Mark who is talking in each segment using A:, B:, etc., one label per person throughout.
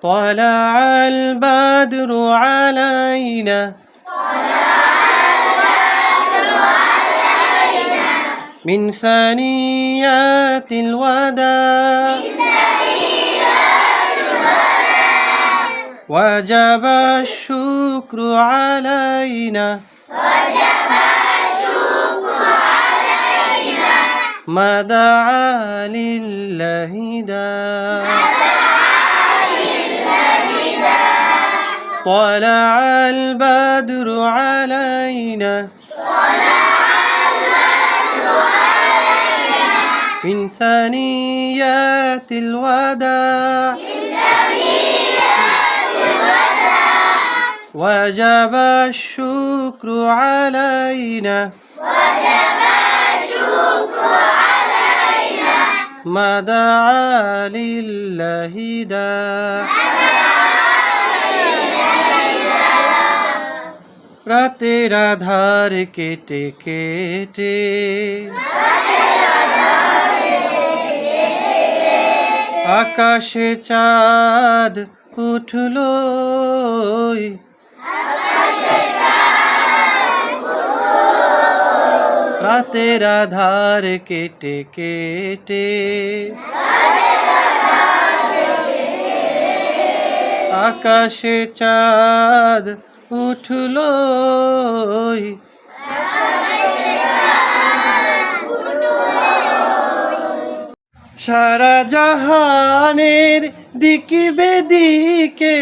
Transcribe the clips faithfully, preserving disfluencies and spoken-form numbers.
A: طلع البدر علينا من ثنيات الوداع وجب الشكر علينا ما دعا لله داع طلع البدر علينا من ثنيات الوداع وجب الشكر علينا ما دعا لله داع রাতের আধার কেটে কেটে আকাশে চাঁদ উঠলো রাতের আধার কেটে কেটে আকাশে চাঁদ উঠলো সারা জাহানের দিকে বেদিকে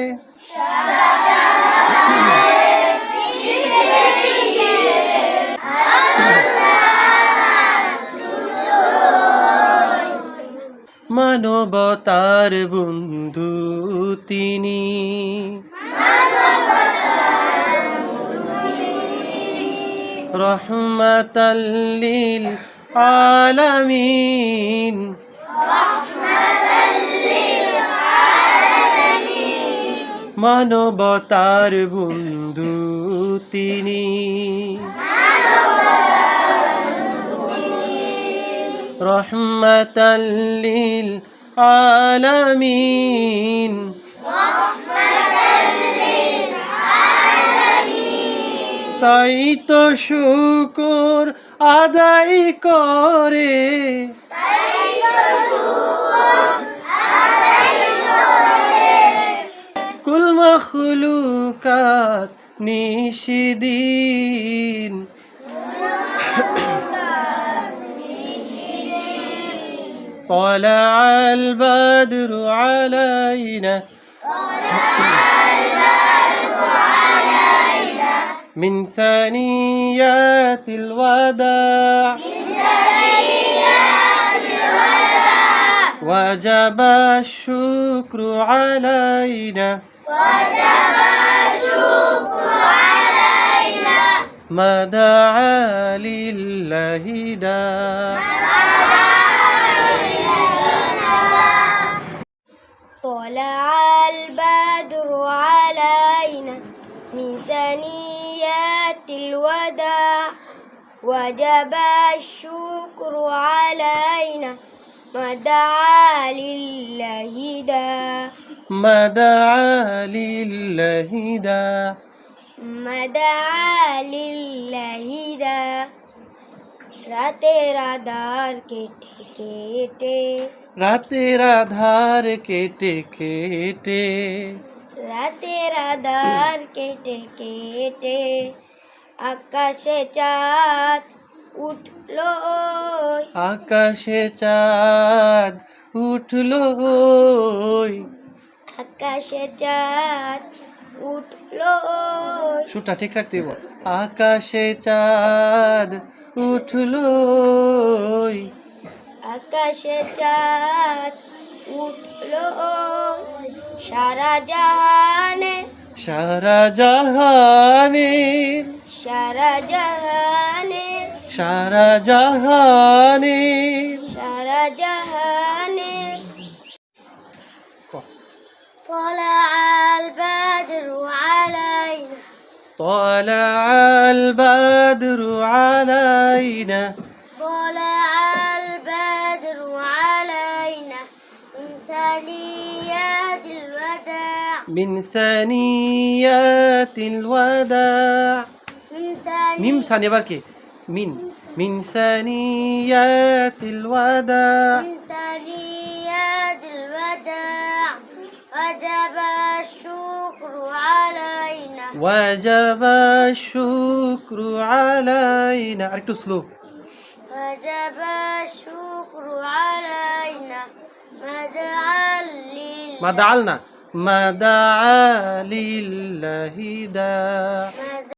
A: মানবতার বন্ধু তিনি রহমাতাল লিল আলামিন মানবতার বন্ধু তিনি রহমাতাল লিল আলামিন তাই তো শুকর আদায় করে কুল মখলুকাত নিশিদিন طلع البدر علينا من ثنيات الوداع وجب الشكر علينا ما دعا لله داع
B: طلع البدر علينا من ثنيات الوداع وجب الشكر علينا ما دعا لله داع
A: ما دعا لله داع
B: ما دعا لله داع রাতের আধার কেটে কেটে
A: রাতের আধার কেটে কেটে
B: রাতের আধার কেটে কেটে আকাশে চাঁদ উঠলো
A: আকাশে চাঁদ উঠলো
B: আকাশে চাঁদ উঠলো
A: সুরটা ঠিক রাখতে হবে আকাশে চাঁদ উঠলো
B: আকাশে চাঁদ উঠলো সারা জাহানে
A: সারা জাহানের
B: সারা জাহানের
A: সারা জাহানের
B: সারা জাহানের طلع البدر علينا
A: طلع البدر علينا
B: طلع البدر علينا من ثنيات الوداع
A: من ثنيات الوداع
B: من ثاني
A: মিম সানি এবার কি মিন মিন ثنيات الوداع
B: من ثنيات الوداع وجب الشكر علينا
A: وجب الشكر علينا আরেকটু স্লো
B: وجب الشكر علينا مدعا لله
A: ما دعلنا ما دعا لله داع